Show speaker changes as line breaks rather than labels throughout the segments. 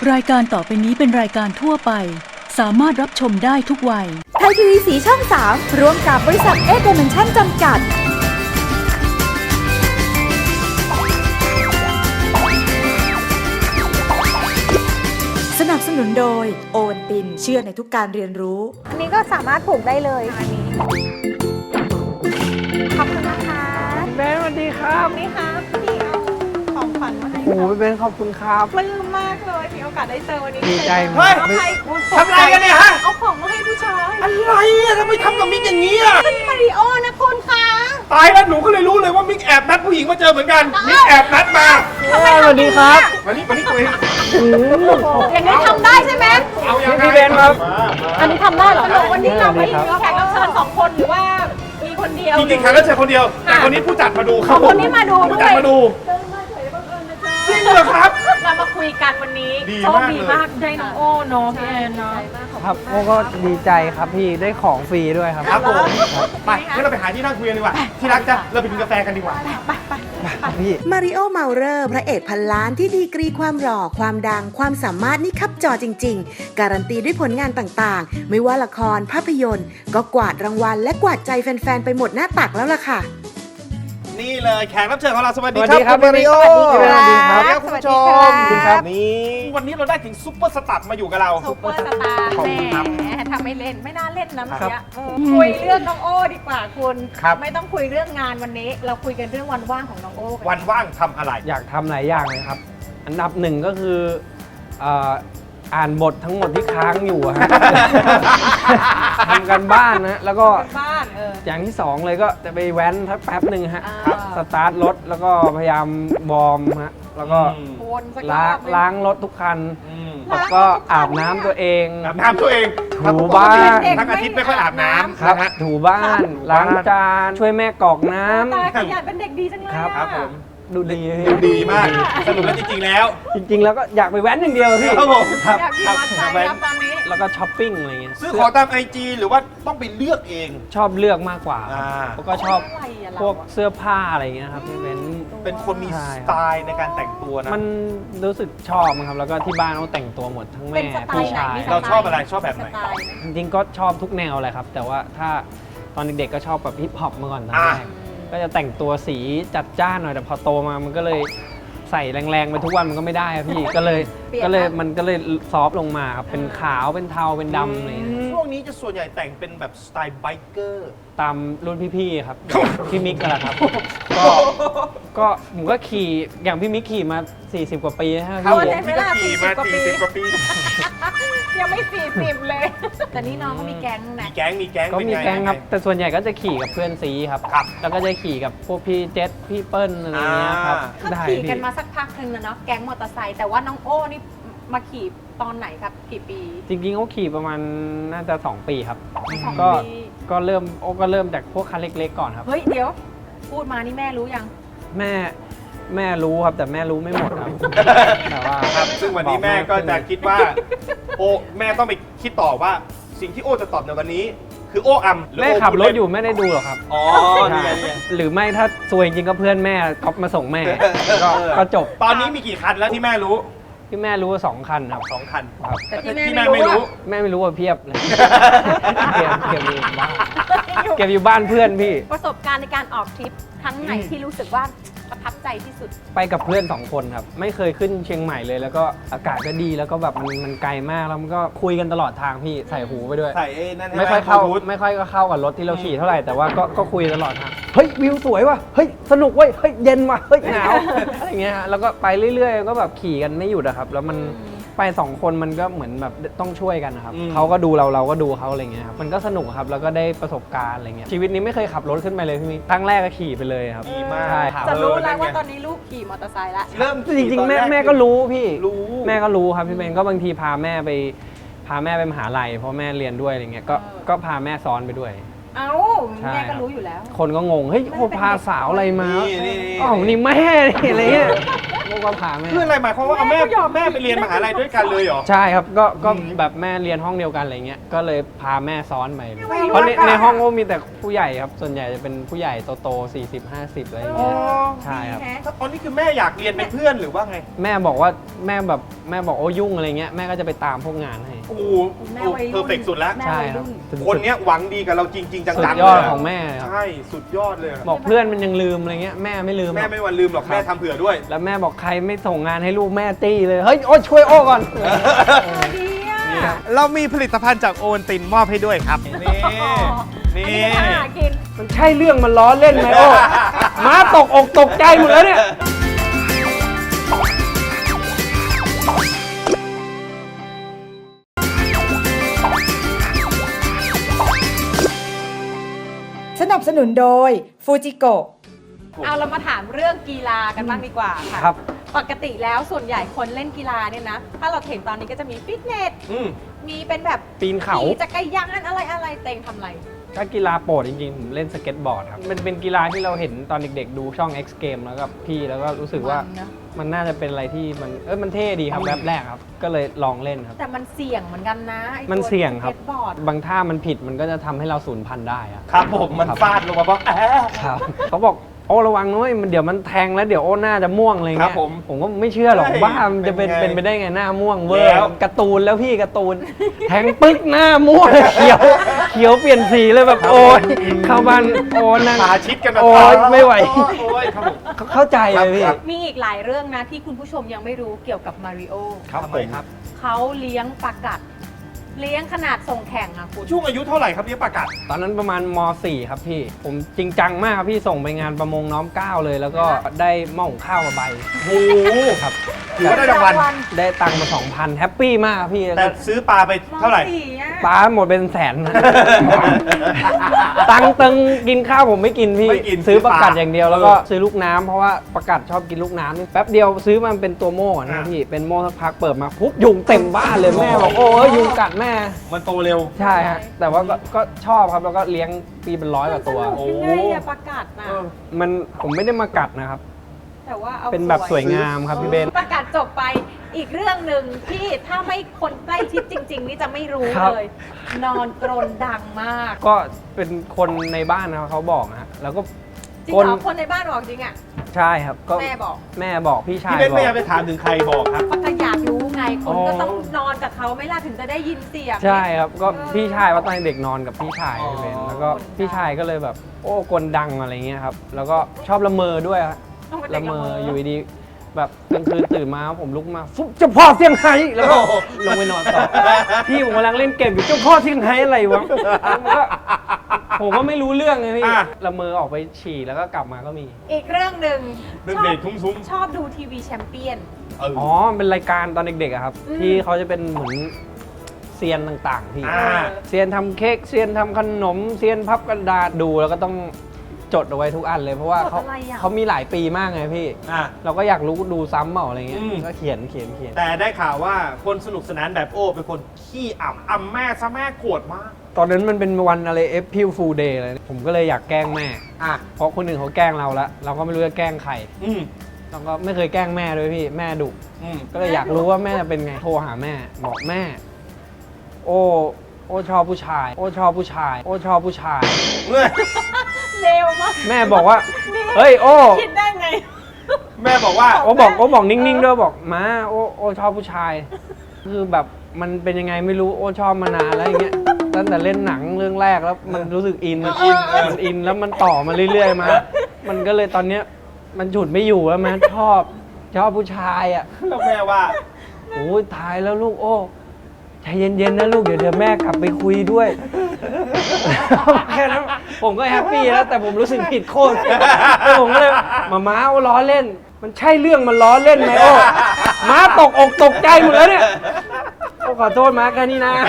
รายการต่อไปนี้เป็นรายการทั่วไปสามารถรับชมได้ทุกวัย
ไทยทีวีสีช่อง 3 ร่วมกับบริษัทเอเดเมนชั่นจำกัดสนับสนุนโดยโอวัลตินเชื่อในทุกการเรียนรู้
อันนี้ก็สามารถผูกได้เลยอันนี้ขอบคุณนะคะ
เบนสวัสดีครับ
นี่ค่ะพี่เอาของขวัญมาให้
โอ้โหเบนขอบคุณครับ
ปลื้มมากเลยมีโอกาสได้เจอวันนี้
ดีใจ
เฮ้ย
ทำอะไรกันเนี่ยฮะ
เอาของมาให้ผู้ชาย
อะไรอ่ะทำไมทำกับมิกอย่างนี้อ่ะ
เป็นมาริโอนะคุณคะ
ตายแล้วหนูก็เลยรู้เลยว่ามิกแอบนัดผู้หญิงมาเจอเหมือนกันมิกแอบนัดมาสวัสดีครับวันนี้ตัวเอง
อย่างนี้ทำได้ใช่ไหม
เอาอย่างพี่เบนครับ
อันนี้ทำได้เหรอวันนี้เราไม่มีแขกรับเชิญ2 คนหรือว่ามีคนเดียว
จริงๆแขกรับเชิญคนเดียวแต่คนนี้ผู้จัดมาดูครับ
คนนี้มาดูด้วย
ผู้จัดมาดูจริงเหรอครับ
เรามาคุยกันวันนี้โชคดีมากได้น้องโอ้เนาะพี่แอนเนาะ
ครับโอ้ก็ดีใจครับพี่ได้ของฟรีด้วยครับ
ครับผมไปงั้นเราไปหาที่นั่งคุยกันดีกว่าที่รักจ้ะเราไปกินกาแฟกันดีกว่า
พี่
มาริโอ เมาเรอร์พระเอกพันล้านที่ดีกรีความหล่อความดังความสามารถนี่คับจอจริงๆการันตีด้วยผลงานต่างๆไม่ว่าละครภาพยนตร์ก็กวาดรางวัลและกวาดใจแฟนๆไปหมดหน้าตักแล้วล่ะค่ะ
นี่เลยแขกรับเชิญของเราสวัสดี
สวัสดีครับ
มาริโอ
สวัสดีครับ
คุณผู้ชมนี่วันนี้เราได้ถึงซุปเปอร์สตาร์มาอยู่กับเรา
ซุปเปอร์สตาร์
ขอบคุณครับ
แหมทำไม่เล่นไม่น่าเล่นนะเมื่อกี้คุยเรื่องน้องโอ้ดีกว่าคุณ
ครับ
ไม่ต้องคุยเรื่องงานวันนี้ เราคุยกันเรื่องวันว่างของน้องโอ้กั
วันว่างทำอะไร
อยากทำหลายอย่างเลยครับ อันดับหนึ่งก็คืออ่านบททั้งหมดที่ค้างอยู่อะฮะ ทำกันบ้านนะแล้วก็
บ้าน
อย่างที่สองเลยก็จะไปแว้นทักแป๊บหนึ่งฮะ
ครับ
สตาร์ทรถแล้วก็พยายามวอร์มฮะแล้วก็
วนสักร
ล้า
อง บหนึ่ง
ล้างรถทุกคัน
ล้างรถทุกคัน
แล้วก็อาบน้ำตัวเอง
อาบน้ำตัวเอง
ถูบ้าน
ทั้งอาทิตย์ไม่ค่อยอาบน้ำ
ครับ
นะฮะ
ถูบ้านล้างจานช่วยแม่กรอกน้ำ
ตายขยันเป็นเด็กดีจังเลย
ครับ
ครับผม
ดูดี
ดูดีมากสรุปแล้วจริงๆแล้ว
จริงๆ แล้วก็อยากไปแว้นอย่างเดียวพี่
ครับผม
ครับ
อยากขี่มอเตอร์ไซค์ครับตอนนี้
แล้วก็ช้อปปิ้งอะไรเงี้ย
ซื้อของตามไอจีหรือว่าต้องไปเลือกเอง
ชอบเลือกมากกว่า
อ่า
แล้วก็ชอบ
อะไรอะเรา
พวกเสื้อผ้าอะไรเงี้ยครับพี่เบน
เป็นคนมี
ใช่
สไตล์ในการแต่งตัวนะ
มันรู้สึกชอบครับแล้วก็ที่บ้านเขาแต่งตัวหมดทั้ง
เป็
แม่
นสไต
พี่
ล์ไหน
ชาย
มีสไตล์
เราชอบอะไรชอบแบบไหน
สตล์
จริงๆก็ชอบทุกแนวเลยครับ แต่ว่าถ้าตอนเด็กๆก็ชอบแบบฮิปฮอปมาก่อนตอนแรกก็จะแต่งตัวสีจัดจ้านหน่อยแต่พอโตมามันก็เลยใส่แรงๆไปทุกวันมันก็ไม่ได้อะพี่ ก็เลยมันก็เลยซอฟต์ลงมาครับเป็นขาวเป็นเทาเป็นดำอะไรอย่างเงี้ย
ช่วงนี้จะส่วนใหญ่แต่งเป็นแบบสไตล์ไบเกอร์
ตามรุ่นพี่ๆครับพี่มิกกันแหละครับก็ผมก็ขี่อย่างพี่มิกขี่มา40 กว่าปีแล้ว
ครับ
พี่
ผมพี่ก็ขี่มา40 กว่าปี
ยังไม่40เลย แต่นี่น้องก็มีแก๊งนะ
มีแก๊ง
ก็
เป็น
มี
ไง
แก๊งครับ แต่ส่วนใหญ่ก็จะขี่กับเพื่อนซีครับ
ครับ
แล้วก็จะขี่กับพวกพี่เจษพี่เปิ้ลอะไรอย่างเงี้ยครับ
ก็
ได้
ขี่กัน
พี่
มาสักพักหนึ่งแล้วเนาะแก๊งมอเตอร์ไซค์แต่ว่าน้องโอ้นี่มาขี่ตอนไหนครับกี่ปี
จริงๆเขาขี่ประมาณน่าจะ2 ปีครับ
สอง
ก็
ปี
ก็เริ่มจากพวกคันเล็กๆก่อนครับ
เฮ้ยเดี๋ยว พูดมานี่แม่รู้ยัง
แม่รู้ครับแต่แม่รู้ไม่หมดครับ แต่ว่า
ครับซึ่งวันนี้แม่ก็จะคิดว่า โอแม่ต้องไปคิดต่อว่าสิ่งที่โอจะตอบในวันนี้ คือโออัมหรือ
แม่
โ
ขับรถ
พูดเล่น
อยู่ไม่ได้ดูหรอกครับ
อ๋อนี่ไงนี่ไง
หรือไม่ถ้าซวยจริงก็เพื่อนแม่ก๊อปมาส่งแม่ก็จบ
ตอนนี้มีกี่คันแล้วที่แม่รู้
ที่แม่รู้ว่า2 คันครับ
2 คัน
ครับ
แต่ที่
ที่
แม่
แม่
ไม่
ไม่
รู้
รู้
แม่ไม่รู้ว่าเพียบเลยเก็บอยู่บ้านเก็บอยู่บ้านเพื่อนพี่
ประสบการณ์ในการออกทริปครั้งไหนที่รู้สึกว่าประทับใจที่สุด
ไปกับเพื่อน2 คนครับไม่เคยขึ้นเชียงใหม่เลย แล้วก็อากาศก็ดีแล้วก็แบบมันไกลมากแล้วมันก็คุยกันตลอดทางพี่ใส่หูไปด้วย
ใส่ไอ้นั่น
ไม่ค่อยเข้า
บลูทูธ
ไม่ค่อยก็เข้ากับรถที่เราขี่เท่าไหร่แต่ว่าก็คุยตลอดทางเฮ้ยวิวสวยว่ะเฮ้ยสนุกเว้ยเฮ้ยเย็นว่ะเฮ้ยหนาวอะไรเงี้ยฮะแล้วก็ไปเรื่อยๆก็แบบขี่กันไม่หยุดอะครับแล้วมันไป2 คนมันก็เหมือนแบบต้องช่วยกันนะครับเขาก็ดูเราก็ดูเขาอะไรเงี้ยครับมันก็สนุกครับแล้วก็ได้ประสบการณ์อะไรเงี้ยชีวิตนี้ไม่เคยขับรถขึ้นไปเลยพี่มิกครั้งแรกก็ขี่ไปเลยครับ
ดีมาก
ใช่ครับ
จะรู้แล้ว
นั่นไง
ว่าตอนนี้ลูกขี่มอเตอร์ไซค์แล้ว
เริ่ม
จริงๆ
ตอน
แม่
ร
ก็รู้พี่
รู้
แม่ก็รู้ครับพี่เบนก็บางทีพาแม่ไปมหาลัยเพราะแม่เรียนด้วยอะไรเงี้ยก็พาแม่ซ้อนไปด้วย
เอ้า
ใช่
แม่ก็รู้อยู่แล้ว
คนก็งงเฮ้ยโอพาสาวอะไรมา
นี่
อ๋อนี่แม่นี่อะไรเงี้ยก็พาแม่
คืออะไรหมายความว่าเอาแม่
แม่ก็ยอม
แม่ไปเรียนมหาลัยด้วยกันเลยเหรอ
ใช่ครับก็
อืม
แบบแม่เรียนห้องเดียวกันอะไรเงี้ยก็เลยพาแม่ซ้อนไป
ไม่รู้
เพราะใน
ว่า
ในห้องก็มีแต่ผู้ใหญ่ครับส่วนใหญ่จะเป็นผู้ใหญ่โตๆ40-50อะไร
อ๋อ
เงี้ยใช่ครับ
ดีแฮะ
ตอนนี้คือแม่อยากเรียนเป็นเพื่อนหรือว่าไง
แม่บอกว่าแม่แบบแม่บอกโอ้ยุ่งอะไรเงี้ยแม่ก็จะไปตามพวกงานให้
โอ้โห
แม่วัยรุ่น
เพอร์เฟกสุดแล้ว
แม่
ใช่
วัย
ครับ
รุ่น
คนเนี้ยหวังดีกับเราจริง ๆ จัง
สุ
ๆ
ดยอด
เลย
ของแม่ครับ
ใช่สุดยอดเลยอะ
บอกเพื่อนมันยังลืมอะไรเงี้ยแม่ไม่ลืมหร
แม่
อก
ไม่วันลืมหรอกแม่ทำเผื่อด้วย
แล้วแม่บอกใครไม่ส่งงานให้ลูกแม่ตี้เลยเฮ้ยโอ้ช่วยโอ้ก่อน
ดีอ่ะ
เรามีผลิตภัณฑ์จากโอวัลตินมอบให้ด้วยครับ นี่
อันนี้ก็หากิน
มันใช่เรื่องมันล้อเล่นไหมโอ้ม้าตกอกตกใจหมดแล้วเนี่ย
สนับสนุนโดยฟูจิโกะ
เอาเรามาถามเรื่องกีฬากันบ้างดีกว่าค่ะ
ครับ
ปกติแล้วส่วนใหญ่คนเล่นกีฬาเนี่ยนะ ถ้าเราเห็นตอนนี้ก็จะมีฟิตเนส
อืม
มีเป็นแบบ
ปีนเขา
ขี่จักรยานอะไรเต็งทำอะไร
ถ้ากีฬาโปรดจริงๆ ผมเล่นสเก็ตบอร์ดครับ มันเป็นกีฬาที่เราเห็นตอนเด็กๆ ดูช่อง X Game แล้วกับพี่แล้วก็รู้สึกว่า
มันนะ
มันน่าจะเป็นอะไรที่มันเท่ดีครับแบบแรกครับ ก็เลยลองเล่นครับ
แต่มันเสี่ยงเหมือนกันนะไอ้ตัว
มันเสี่ยงครับ
สก็ตบอร์ด
บางท่ามันผิดมันก็จะทำให้เราสูญพันธุ์ได้อะ
ครับผมมันฟาดลงมาบอก
ครับเขาบอกโอ้ระวังนะเว้ยมันเดี๋ยวมันแทงแล้วเดี๋ยวโอ้หน้าจะม่วงอะไร
ครั
เงี้
บ
ย
ผม
ก็ไม่เชื่อหรอก
เฮ้ย
บ้ามันจะเป็น
เป็นไง
ไปได้ไงหน้าม่วงเวอร์
แล้ว
การ์ตูนแล้วพี่การ์ตูน แทงปึ๊กหน้าม่วง เขียวเปลี่ยนสีเลยแบบโอ้ยเข้าบ้านโอ้นั่ง
ขาชิดกันแบบ
โอ๊ยไม่ไหว
โอ้ยครับผม
เข้าใจเลยพี่
ครับ
มีอีกหลายเรื่องนะที่คุณผู้ชมยังไม่รู้เกี่ยวกับมาริโอ
ครับ
ทำ
ผ
ไม
ม
ครับ
เขาเลี้ยงปลากัด เลี้ยงขนาดส่งแข่งอะคุณ
ช่วงอายุเท่าไหร่ครับเลี้ยงปลากัด
ตอนนั้นประมาณม .4 ครับพี่ ผมจริงจังมากครับพี่ส่งไปงานประมงน้อมเกล้าเลย แล้วก็ได้หม้อหุงข้าวมาใบ
โอ้โห
ครับ
ถือว่าได้รางวัล
ได้ตังค์มา 2,000 แฮปปี้มากครับพี่
แต่ซื้อปลาไปเท่าไหร่
สี่อะ
ปลาหมดเป็นแสนนะ ตังค์ตึงกินข้าวผมไม่กินพี่
ไม่กิน
ซื้อประกัด
ซื้อปลา
อย่างเดียวแล้วก็ซื้อลูกน้ำเพราะว่าประกัดชอบกินลูกน้ำนี่แป๊บเดียวซื้อมันเป็นตัวโม่นะพี่เป็นโม่สักพักเปิดมาปุ๊บยุงเต็มบ้านเลยแม่บอกโอ้ยยุงกัดแม่
มันโตเร็ว
ใช่ฮะแต่ว่าก็ชอบครับแล้วก็เลี้ยงปีเป็น100 กว่าตัว
มันสนุกยังไงอะปลากัดน่ะ
มันผมไม่ได้มากัดนะครับ
แต่ว่าเอา
เป็นแบบสวยงามครับพี่เบน
ปลากัดจบไปอีกเรื่องหนึ่งที่ถ้าไม่คนใกล้ชิดจริง ๆ นี่จะไม่รู้
ครับ
เลย นอนกรนดังมาก
ก็เป็นคนในบ้านนะครับเขาบอกนะฮะแล้วก็
จริงเหรอคนในบ้านบอกจริงอะ
ใช่ครับก็
แม่บอก
แม่บอกพี่ชา
พี่
ย
เบน
บอ
ไม่อยาก
ก
ไปถามถึงใครบอกครับ
ปก็อยากรู้ไงคนก็
อ๋อ
ต้องนอนกับเขาไหม่ล่ะถึงจะได้ยินเสียง
ใช่ครับก็
เออ
พี่ชายว่าตอนเด็กนอนกับพี่ชาย
อ๋อ
พี่เบนแล้วก็
คนดัง
พี่ชายก็เลยแบบ โอ้กลดังอะไรเงี้ยครับแล้วก็ชอบละเมอด้วยฮะ
ต้องเป็นเด็
ละ
ก
เม
ละ
อ
เมอ
อยู่ดีๆแบบกลางคืนตื่นมาผมลุกมาฟุ๊บเจ้าพ่อเซี่ยงไฮ้แล้วก็ลงไปนอนต่อพี่ผมกำลังเล่นเกมอยู่เจ้าพ่อเซี่ยงไฮ้อะไรวะผมก็ไม่รู้เรื่องเลยพี่
อ่ะ
ละเมอออกไปฉี่แล้วก็กลับมาก็มี
อีกเรื่องหนึ่ง
เรื่อง
ชอ
เด็
บ
กทุ้ม
ชอบดูทีวีแชมเปี้ยน
ๆเออ
อ๋อเป็นรายการตอนเด็กๆอะครับ
อืม
ที่เขาจะเป็นเหมือนเซียนต่างๆพี่
อ่า
เซียนทำเค้กเซียนทำขนมเซียนพับกระดาษดูแล้วก็ต้องจดเอาไว้ทุกอันเลยเพราะว่า
จด
เขา
อะไรอะ
เขามีหลายปีมากไงพี่
อ่ะ
เราก็อยากรู้ดูซ้ำเปล่าอะไรเงี้ย
อืม
ก็เขียน
แต่ได้ข่าวว่าคนสนุกสนานแบบโอ้เป็นคนขี้อ่ำแม่ซะแม่โกรธมาก
ตอนนั้นมันเป็นวันอะไร April Fool Day เลยผมก็เลยอยากแกล้งแม่
อ่ะ
เพราะคนอื่นเขาแกล้งเราแล้วเราก็ไม่รู้จะแกล้งใคร
อืม
เราก็ไม่เคยแกล้งแม่ด้วยพี่แม่ดุ
อืม
ก็เลยอยากรู้ว่าแม่เป็นไงโทรหาแม่บอกแม่ โอ้ชอบผู้ชาย โอ้ชอบผู้ชาย โอ้ชอบผู้ชาย
เมื่อ
เร็วมาก
แม่บอกว่า เฮ้ยโอ้
คิดได้ไง
แม่บอกว่า
โอ้บอกนิ่งๆด้วยบอกมาโอ้ชอบผู้ชาย คือแบบมันเป็นยังไงไม่รู้โอ้ชอบมานานแล้วอย่างเงี้ยตั้งแต่เล่นหนังเรื่องแรกแล้วมันรู้สึกอินมันอินแล้วมันต่อมาเรื่อยๆมามันก็เลยตอนเนี้ยมันฉุดไม่อยู่แล้วมันชอบผู้ชายอ่ะ
แล้วแม่ว่า
โอ้ยตายแล้วลูกโอ้ใจเย็นๆนะลูกเดี๋ยวแม่กลับไปคุยด้วย แค่นั้นผมก็แฮปปี้แล้วแต่ผมรู้สึกผิดโคตรแล้วผมก็เลยม้าโอ้ล้อเล่น มันใช่เรื่องมันล้อเล่นไหมโอ้ม้าตกอกตกใจหมดแล้วเนี่ยโอ้ขอโทษม้าแค่นี้นะ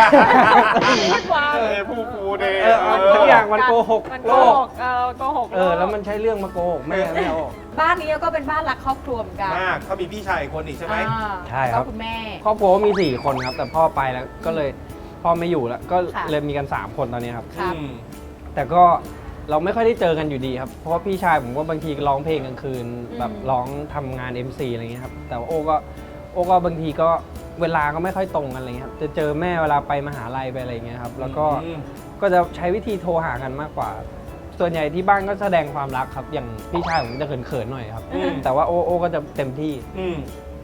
ผู้ฟูเดย์
ทุกอย่างมันโกหก
มัน
โล
โกห
ก
กโกหก
แล้วมันใช่เรื่องมาโกหกแม่ไม่เอา
บ้านนี้ก็เป็นบ้านรักครอบครัวเหมือนกัน
มากเขามีพี่ชายอีกคนอีกใช่ไหม
อ่า
ใช่ครับ
แล้วก็คุณแม่
ครอบครัวมี4คนครับแต่พ่อไปแล้วก็เลยพ่อไม่อยู่แล้วก็
ค่ะ
เลยมีกัน3คนตอนนี้ครับ
ครับ
อืม
แต่ก็เราไม่ค่อยได้เจอกันอยู่ดีครับ เพราะว่าพี่ชายผมก็บางทีร้องเพลงกลางคืน แบบร้องทำงาน MC อะไรเงี้ยครับ แต่ว่าโอ้ก็บางทีก็เวลาก็ไม่ค่อยตรงกันอะไรเงี้ยครับ จะเจอแม่เวลาไปมหาลัยไปอะไรเงี้ยครับ แล้วก็
อืม
ก็จะใช้วิธีโทรหากันมากกว่า ส่วนใหญ่ที่บ้านก็แสดงความรักครับ อย่างพี่ชายผมจะเขินๆหน่อยครับ
อืม
แต่ว่าโอ้ก็จะเต็มที่
อืม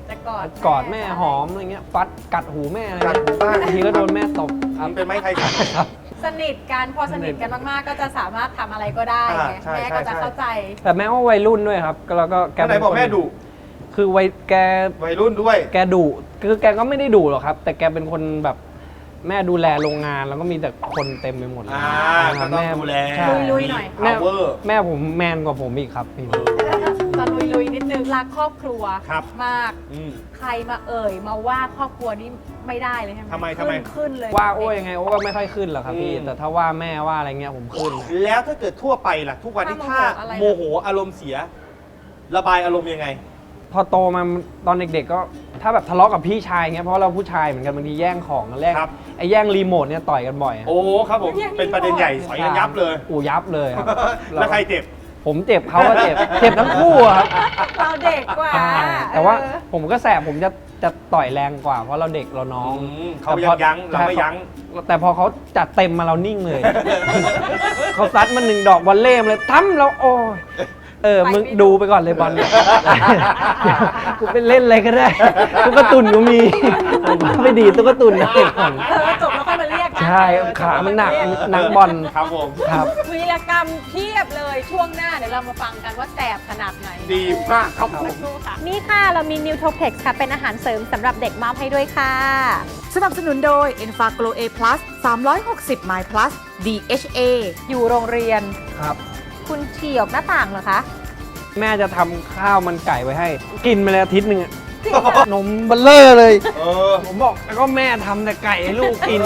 จะกอด
กอดแม่หอมอะไรเงี้ยฟัดกัดหูแม่อะไร
กัด
เงี้ย
หูบ้าง
บางทีก็โดนแม่ตบครับ
เป็นไม้ไทยขัน
ครับ
สนิทกันพอสนิทกันมากๆ ก็จะสามารถทำอะไรก็ได้ไง
ใช่
แม่ก็จะ
ใช่
เข้าใจ
แต่แม่ว่าวัยรุ่นด้วยครับแล้วก็แก
ไหน
เป็น
บอก
คน
แม่ดุ
คือแก
วัยรุ่นด้วย
แกดุคือแกก็ไม่ได้ดุหรอกครับ แต่แกเป็นคนแบบแม่ดูแลโรงงานแล้วก็มีแต่คนเต็มไปหมดเลย
ก็ต้องดูแล
ใช่
ลุยๆหน่อย
แม่
power
แม่ผมแมนกว่าผมอีกครับพี่
จะลุยๆนิดนึงรักครอบครัว
ครับ
มาก
อืม
ใครมาเอ่ยมาว่าครอบครัวนี้ไม่ได้เลยใช่ไหม
ทำไมทำไม
ขึ้นเลย
ว่าโอ้ยังไงโอ้ก็ไม่ค่อยขึ้นหรอกครับพี่
อืม
แต่ถ้าว่าแม่ว่าอะไรเงี้ยผมขึ้น
แล้วถ้าเกิดทั่วไปล่ะ ทุกวันที่ถ้าโมโหอารมณ์เสีย ระบายอารมณ์ยังไง
พอโตมาตอนเด็กๆก็ถ้าแบบทะเลาะกับพี่ชายเงี้ยเพราะเราผู้ชายเหมือนกันบางทีแย่งของกันแย่ง
ครับ
ไอ้แย่งรีโมทเนี่ยต่อยกันบ่อยอะ
โอ้ครับผม เป็นประเด็นใหญ่สอยกันยับเลย
อูยับเลยครับ
แล้วใครเจ็บ
ผมเจ็บเขาก็เจ็บ เจ็บทั้งคู่อะครับ
เราเด็กกว่า
ใช่แต่ว่า
เออ
ผมก็แสบผมจะต่อยแรงกว่าเพราะเราเด็กเราน้อง
เขายั้งเราไม่ยั้ง
แต่พอเขาจัดเต็มมาเรานิ่งเลย เขาซัดมา1 ดอกบอลเล่มเลยทั้มเราโอ้ยมึงดูไปก่อนเลยบอลเนี่ย กูไปเล่นอะไรก็ได้ตุ๊กตุนก็มีผมก็ไปดีดตุ๊กตุนได้ก่อน
จบแล้วค่อยมาเรียกนะ
ใช่ขามันหนักบอล
ครับผม
ครับ
วีรกรรมเพียบเลยช่วงหน้าเดี๋ยวเรามาฟังกันว่าแสบขนาดไหน
ดีมากครับผม
สักครู่ค่ะนี่ค่ะเรามี Nutropex ค่ะ เป็นอาหารเสริมสำหรับเด็กมอบให้ด้วยค่ะ
สนับสนุนโดย e n f a g l o A+ 360 My Plus DHA
อยู่โรงเรียน
ครับ
คุณเฉี่ยวหน้าต่างเหรอคะ
แม่จะทำข้าวมันไก่ไว้ให้ กินมาแล้วอาทิตย์หนึ่งอะนมเบลเลอร์เลย ผมบอกแล้วก็แม่ทำแต่ไก่ให้ลูกกิน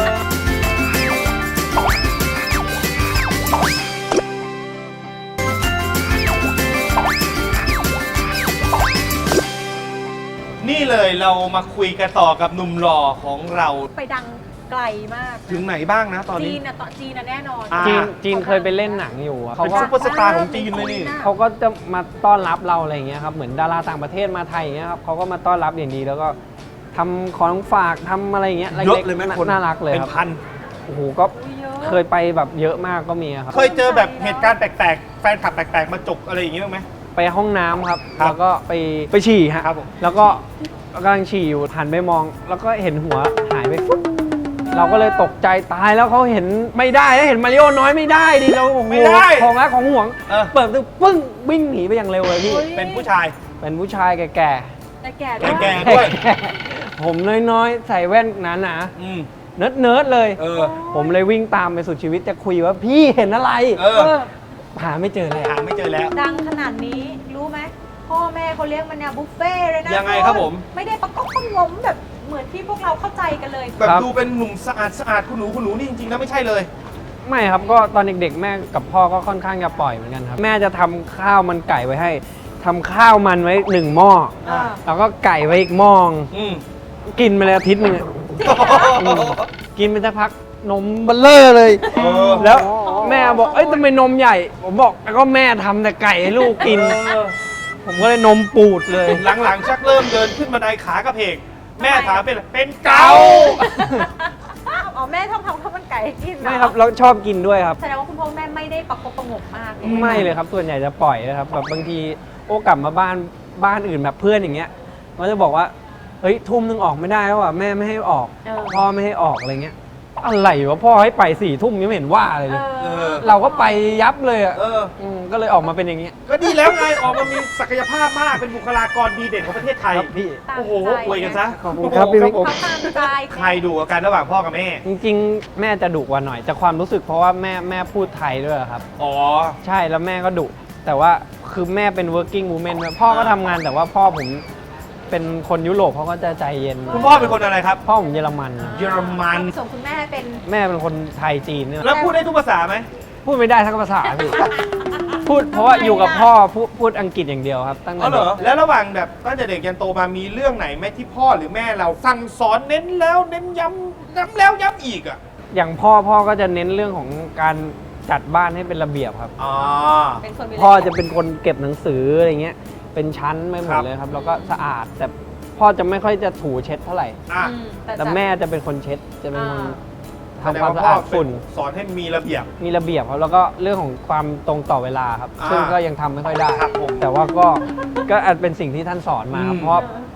นี่เลยเรามาคุยกันต่อกับหนุ่มหล่อของเรา
ไปดังไกลมาก
ถึงไหนบ้างนะตอน
จี
นี้
นนะจีนนะแน่นอน
อ่า
จีนเคยไปเล่นหนังอยู่อะเขา
เป็น
ก็
ซุปเปอร์สตาร์ของจีนเลยนี่
เขาก็จะมาต้อนรับเราอะไรอย่างเงี้ยครับเหมือนดาราต่างประเทศมาไทยอย่างเงี้ยครับเขาก็มาต้อนรับอย่างดีแล้วก็ทำของฝากทำอะไรอย่างเงี้ย
เยอะเลยไหมคน
น่ารักเลย
เป็
คน รับ
พัน
โอ้โหก็
เยอะ
เคยไปแบบเยอะมากก็มีครับ
เคยเจอแบบเหตุการณ์แปลกๆ แฟนคลับแปลกๆ มาจกอะไรอย่างงี้บ้างไหม
ไปห้องน้ำครับ
ครับ
แล้วก็ไปฉี่ฮะ
ครับผม
แล้วก็กำลังฉี่อยู่หันไปมอง แล้วก็เห็นหัวหายไปปุ๊บเราก็เลยตกใจตายแล้วเขาเห็นไม่ได้แล้วเห็นมาริโอน้อยไม่ได้ดิเราโอ้โห
ไม่ได้
ของรักของห่วง
เออ
เปิดประตูปึ้งวิ่งหนีไปอย่างเร็วเลยพี่
เฮ้ย
เป็นผู้ชาย
เป็นผู้ชายแก่
แต่แก่ด้วย
แก่
ๆ
ด้วย
ผมน้อยๆใส่แว่นหนา
อืม
ๆเนิร์ดๆเลย
เออ
ผมเลยวิ่งตามไปสุดชีวิตจะคุยว่าพี่เห็นอะไร
เออ
หาไม่เจอเลย
หาไม่เจอแล้ว
ดังขนาดนี้รู้ไหมพ่อแม่เขาเลี้ยงมันเนี่ยบุฟเฟ่ต์เลยนะ
ยังไงครับผม
ไม่ได้ประกบประงมแบบเหมือนที่พวกเราเข้าใจกันเลย
แบบดูเป็นหนุ่มสะอาดคุณหนูนี่จริงๆแล้วไม่ใช่เลย
ไม่ครับก็ตอนเด็กๆแม่กับพ่อก็ค่อนข้างจะปล่อยเหมือนกันครับแม่จะทำข้าวมันไก่ไว้ให้ทำข้าวมันไว้1 หม้อ
อ่า
แล้วก็ไก่ไว้อีกหม้อ
อืม
กินไปเลยอาทิตย์หนึงอะกินไปสักพักนมเบลเลอร์เลย
เออ
แล้วแม่บอกเอ้ยทำไมนมใหญ่ ผมบอกแล้วก็แม่ทำแต่ไก่ให้ลูกกิน ผมก็เลยนมปูดเลย
หลังๆชักเริ่มเดินขึ้นบันไดขากระเพก แม่ถามเป็นเกา
อ๋อแม่ชอบทำข้าวมันไก่ให้กินเหอ
ไม่ครับแล้วชอบกินด้วยครับ
แสดงว่าคุณพ่อคุณแม่ไม่ได้ประกบประงมมาก
ไม่เลยครับส่วนใหญ่จะปล่อยนะครับแบบบางทีโอ้กลับมาบ้านอื่นแบบเพื่อนอย่างเงี้ยมันจะบอกว่าเฮ้ยทุ่มนึงออกไม่ได้แล้วอ่ะแม่ไม่ให้ออก พ่อไม่ให้ออกอะไรเงี้ยอะไรวะพ่อให้ไป4 ทุ่มยังไม่เห็นว่าอะไรเลย
เออ
เราก็ไปยับเลยอ่ะ
เออ
ก็เลยออกมาเป็นอย่างเงี้ย
ก็ดีแล้วไง ออกมามีศักยภาพมาก เป็นบุคลากรดีเด่นของประเทศไทย
ครับพี่
ตาม
โอ้โห
ใจ
อวยกันซะ
ขอบคุณครับพี่
ผม
เขาตามใจ
ใครดูกันระหว่างพ่อกับแม่
จริงๆ แม่จะดุกว่าหน่อยจากความรู้สึกเพราะว่าแม่พูดไทยด้วยครับ
อ๋อ
ใช่แล้วแม่ก็ดุแต่ว่าคือแม่เป็น working woman ด้วยพ่อก็ทำงานแต่ว่าพ่อผมเป็นคนยุโรปเขาก็จะใจเย็น
คุณพ่อเป็นคนอะไรครับ
พ่อผมเยอรมันนะ
เยอรมัน
ส่งคุณแม่เป็น
แม่เป็นคนไทยจีนเนี่ย
แล้วพูดได้ทุกภาษาไหม
พูดไม่ได้ทั้งภาษาพี่ พูดเพราะว่าอยู่กับพ่อพูดอังกฤษอย่างเดียวครับตั้ง
อ๋
แต่
อเหร
เด็
อก แล้วระหว่างแบบตั้งแต่เด็กยันโตมามีเรื่องไหนไหมที่พ่อหรือแม่เราสั่งสอนเน้นแล้วเน้นย้ำแล้วย้ำอีกอ่ะ
อย่างพ่อก็จะเน้นเรื่องของการจัดบ้านให้เป็นระเบียบครับ
อ๋อ
เป็นคนมี
พ่อจะเป็นคนเก็บหนังสืออะไรเงี้ยเป็นชั้นไม่หม
ครั
ด
บ
เลยครับแล้วก็สะอาดแต่พ่อจะไม่ค่อยจะถูเช็ดเท่าไหร่
อ่ะ
แต่แม่จะเป็นคนเช็ดจะเป็นคน
แส
ทำ
ดง
ความ
ว่า
สะ
พ่อ
อาดฝุ่น
สอนให้มีระเบียบ
มีระเบียบครับแล้วก็เรื่องของความตรงต่อเวลาครับ
อ่า
ซึ่งก็ยังทำไม่ค่อยได้
ครับผม
แต่ว่าก็อาจเป็นสิ่งที่ท่านสอนมาครับ
อืม
เพราะ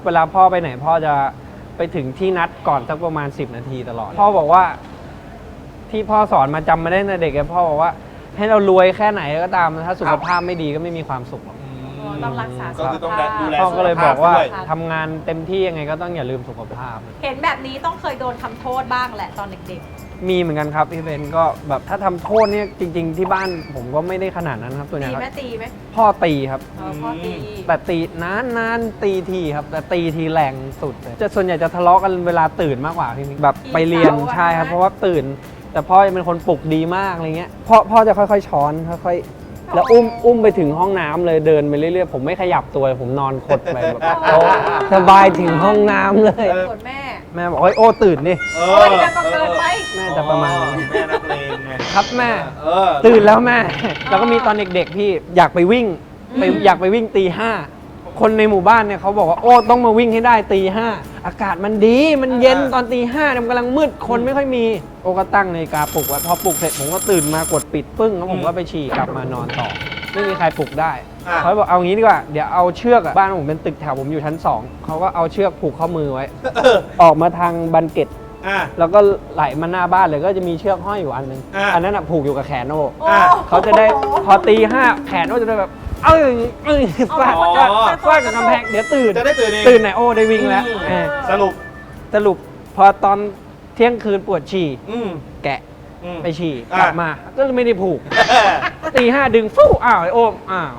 เวลาพ่อไปไหนพ่อจะไปถึงที่นัดก่อนสักประมาณ10 นาทีตลอดพ่อบอกว่าที่พ่อสอนมาจำมาได้ตั้งแต่เด็กพ่อบอกว่าให้เรารวยแค่ไหนก็ตามถ้าสุขภาพไม่ดีก็ไม่มีความสุขหรอก
ต้องรักษาสุ
ก็
ข
คือต้อง
ภาพ
ดูแล
พ่อก็เลยบอกว่า
สุขภาพด้วย
ทำงานเต็มที่ยังไงก็ต้องอย่าลืมสุขภาพ
เห็นแบบนี้ต้องเคยโดนทำโทษบ้างแหละตอนเด็ก
มีเหมือนกันครับพี่เบนก็แบบถ้าทำโทษเนี่ยจริง ๆ ที่บ้านผมก็ไม่ได้ขนาดนั้นครับตัว
ๆ
เนี้
ตี
ยค
ไหม
รับ
ตีไหม
พ่อตีครับ
พ่อตี
แต่ตีนานตีทีครับแต่ตีทีแรงสุดเลยจะส่วนใหญ่จะทะเลาะกันเวลาตื่นมากกว่าพี่มิกแบบไปเรียนใช่ครับเพราะว่าตื่น แต่พ่อจะเป็นคนปลุกดีมากอะไรเงี้ยพ่อจะค่อยๆช้อนค่อยๆแล้วอุ้มไปถึงห้องน้ำเลยเดินไปเรื่อยๆผมไม่ขยับตัวผมนอนคดไปแบบโอ้สบายถึงห้องน้ำเลย
ส่วนแม่
แม่บอกโอ้ตื่นดิ
เอ
โอ้ยแล้วก็เกินไป
แม่จะประมาณนั้น
แม่นักเลงไง
ครับแม่
เออ
ตื่นแล้วแม่ แล้วก็มีตอนเด็กๆพี่อยากไปวิ่งอยากไปวิ่งตี 5คนในหมู่บ้านเนี่ยเขาบอกว่าโอ้ต้องมาวิ่งให้ได้ตี 5อากาศมันดีมันเย็นตอนตี 5เนี่ยมันกำลังมืดคนไม่ค่อยมีโอ้ก็ตั้งนาฬิกาปลุกไว้พอปลุกเสร็จผมก็ตื่นมากดปิดปึ้งแล้วผมก็ไปฉี่กลับมานอนต่อ ไม่มีใครปลุกได้
อ่ะ
เขาบอกเอางี้ดีกว่าเดี๋ยวเอาเชือกอะบ้านผมเป็นตึกแถวผมอยู่ชั้น 2เขาก็เอาเชือกผูกข้อมือไว้ ออกมาทางบันเกต
อ่ะ
แล้วก็ไหลมาหน้าบ้านเลยก็จะมีเชือกห้อยอยู่อันนึง
อ่ะ
อันนั้นอะผูกอยู่กับแขนโอ้
โอ้
เขาจะได้พอตี 5แขนโอ้จะได้แบบฟาดฟาดกับกำแพงเดี๋ยวตื่น
จะได้ตื่นเอง
ตื่นไหนโอ้ได้วิ่งแล้ว
อืม
เออ
สรุป
สรุปพอตอนเที่ยงคืนปวดฉี่
อืม
แกะ
อืม
ไปฉี่
อ่ะ
กลับมาก็ไม่ได้ผูกตี 5ดึงฟู่อ้าวไอ้โอ้มอ้าว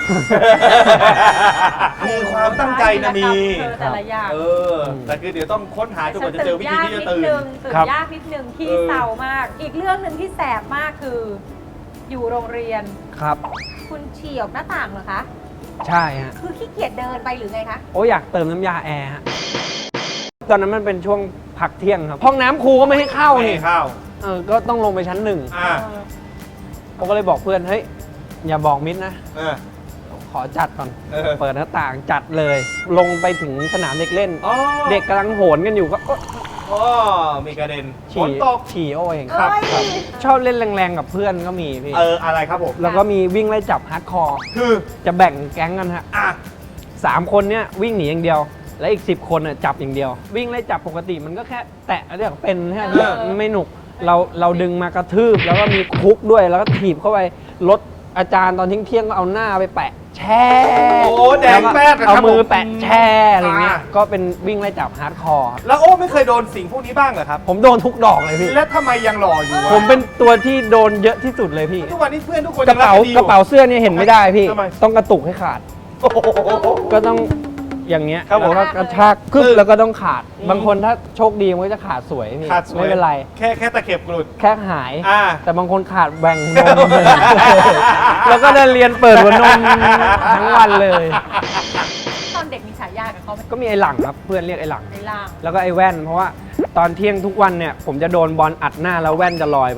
มีความตั้งใจนะมี
แต่ละอย่าง
เออ แต่คือเดี๋ยวต้องค้นหาจนกว่าจะเจอวิธีที่จะตื่น
ตื่น
ครับ
ยากนิดนึงที่
เออ
เศร้ามาก อีกเรื่องหนึ่งที่แสบมากคือ อยู่โรงเรียน
ครับ
คุณฉี่ออกหน้าต่างเหรอคะ
ใช่ฮะ
คือขี้เกียจเดินไปหรือไงคะ
โอ้อยากเติมน้ำยาแอร์ฮะตอนนั้นมันเป็นช่วงพักเที่ยงครับห้องน้ำครูก็ไม่ให้เข้า
ไม่
นี่
ให้เข้า
ก็ต้องลงไปชั้น 1
อ่ะ
ผมก็เลยบอกเพื่อนเฮ้ยอย่าบอกมิดนะ
เออ
ขอจัดก่อน
เออ
เปิดหน้าต่างจัดเลย ลงไปถึงสนามเด็กเล่น
อ๋อ
เด็กกำลังโหนกันอยู่ก็
อ๋อมีกระเด็นฝ
ฉี่
นตก
ฉี่โอ้เอง
ครับ
ครับชอบเล่นแรงๆกับเพื่อนก็มีพี่
อะไรครับผม
แล้วก็มีวิ่งไล่จับฮาร์ดคอร์
คือ
จะแบ่งแก๊งกันฮะ
อ่ะ
3 คนเนี้ยวิ่งหนีอย่างเดียว และอีก 10 คนน่ะจับอย่างเดียว วิ่งไล่จับปกติมันก็แค่แตะเรียกเป็นแค่นี้มันไม่หนุกเราดึงมากระทืบแล้วก็มีคุกด้วยแล้วก็ถีบเข้าไปรถอาจารย์ตอนเที่ยงๆก็เอาหน้าไปแปะแช่
โอ้แดงแป๊ดเลยครับ
เอามือ
ผม
แปะแช่อะไรเงี้ย
อ่า
ก็เป็นวิ่งไล่จับฮาร์ดคอร์
แล้วโอ้ไม่เคยโดนสิ่งพวกนี้บ้างเหรอครับ
ผมโดนทุกดอกเลยพี่
แล้วทำไมยังหล่ออยู่วะ
ผมเป็นตัวที่โดนเยอะที่สุดเลยพี่
ทุกวันนี้เพื่อนทุกคน
กระเป๋า
ยังดีอก
ระเป๋าเสื้อเนี่ยเห็นไม่ได้พี่
ทำไม
ต้องกระตุกให้ขาด
โอ้โห
ก็ต้องอย่างเงี้ย
ครับผม
แล้วก็กระชากกึ๊บแล้วก็ต้องขาด บางคนถ้าโชคดีมันก็จะขาดสวยพี่
ขาดสวย
ไม่เป็นไร
แค่ตะเข็บกรุด
แค่หาย
อ่า
แต่บางคนขาดแหว่งนมเลย แล้วก็ได้เรียนเปิดหัวนมทั้งวันเลย
ตอนเด็กมีฉายากับเขาไหม
ก็มีไอ้หลังครับเพื่อนเรียกไอ้หลัง
ในล่าง
แล้วก็ไอ้แว่น เพราะว่าตอนเที่ยงทุกวันเนี่ย ผมจะโดนบอลอัดหน้าแล้วแว่นจะลอยไป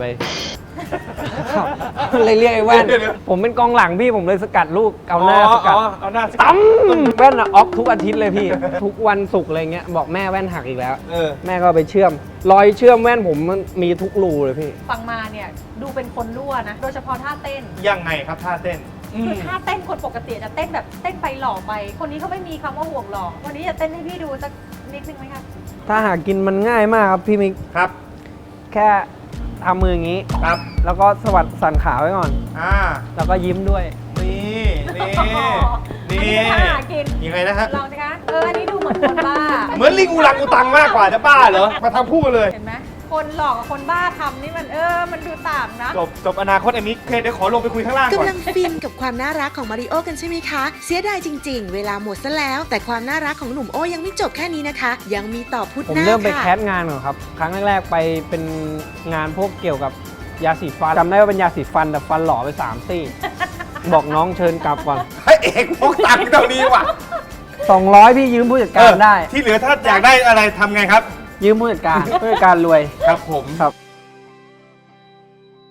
เลยเรียกไอ้แว่น
เดี๋ยว
ผมเป็นกองหลังพี่ผมเลยสกัดลูกเอาหน้าสกัด
เอาหน้าสกัด
ตั้มแว่นอะออฟทุกอาทิตย์เลยพี่ ทุกวันศุกร์อะไรเงี้ยบอกแม่แว่นหักอีกแล้ว
เออ
แม่ก็เอาไปเชื่อม รอยเชื่อมแว่นผมมันมีทุกรูเลยพี่
ฟังมาเนี่ยดูเป็นคนรั่วนะ โดยเฉพาะท่าเต้น
ยังไงครับท่าเต้น
คือท่าเต้นคนปกติจะเต้นแบบเต้นไปหล่อไป คนนี้เขาไม่มีคำว่าห่วงหล่อวันนี้จะเต้นให้พี่ดูสักนิดนึงไหมคะ
ถ้าหากินมันง่ายมากครับพี่มิก
ครับ
แค่ทำมืออย่างนี้
ครับ
แล้วก็สวัสดสั่นขาไว้ก่อน
อ่า
แล้วก็ยิ้มด้วย
นี่นี่
อัน
นี่
นี้ท่าหากิน
ยังไงนะฮะ
ลองสิคะอันนี้ดูเหมือนคนบ้า
เหมือนลิงอุลังอุตังมากกว่าจะบ้าเหรอ มาทำคู่กันเลย
เห็นไหมคนหลอกกับคนบ้าทำนี่มันมันดูต่างนะ
จบอนาคตอันนี้เคเดี๋ยวขอลงไปคุยข้างล่างก่อน
กำลังฟินกับความน่ารักของมาริโอกันใช่ไหมคะ เสียดายจริง ๆ เวลาหมดซะแล้ว แต่ความน่ารักของหนุ่มโอ้ยังไม่จบแค่นี้นะคะ ยังมีต่อพุธ
ผม
หน้า
เริ่มไปแค
ค่ะ
สงานก่อนครับ ครั้งแรกๆไปเป็นงานพวกเกี่ยวกับยาสีฟันจำได้ว่าเป็นยาสีฟันแต่ฟันหล่อไป3 ซี่ บอกน้องเชิญกลับก่อน
ให้เอกพกตังค์เท่านี้ว่ะ
200 พี่ยืมผู้จัดการได้
ที่เหลือถ้าอยากได้อะไรทำไงครับ
ยืมผู้จัดการ ผู้จัดการรวย
ครับผม
ครับ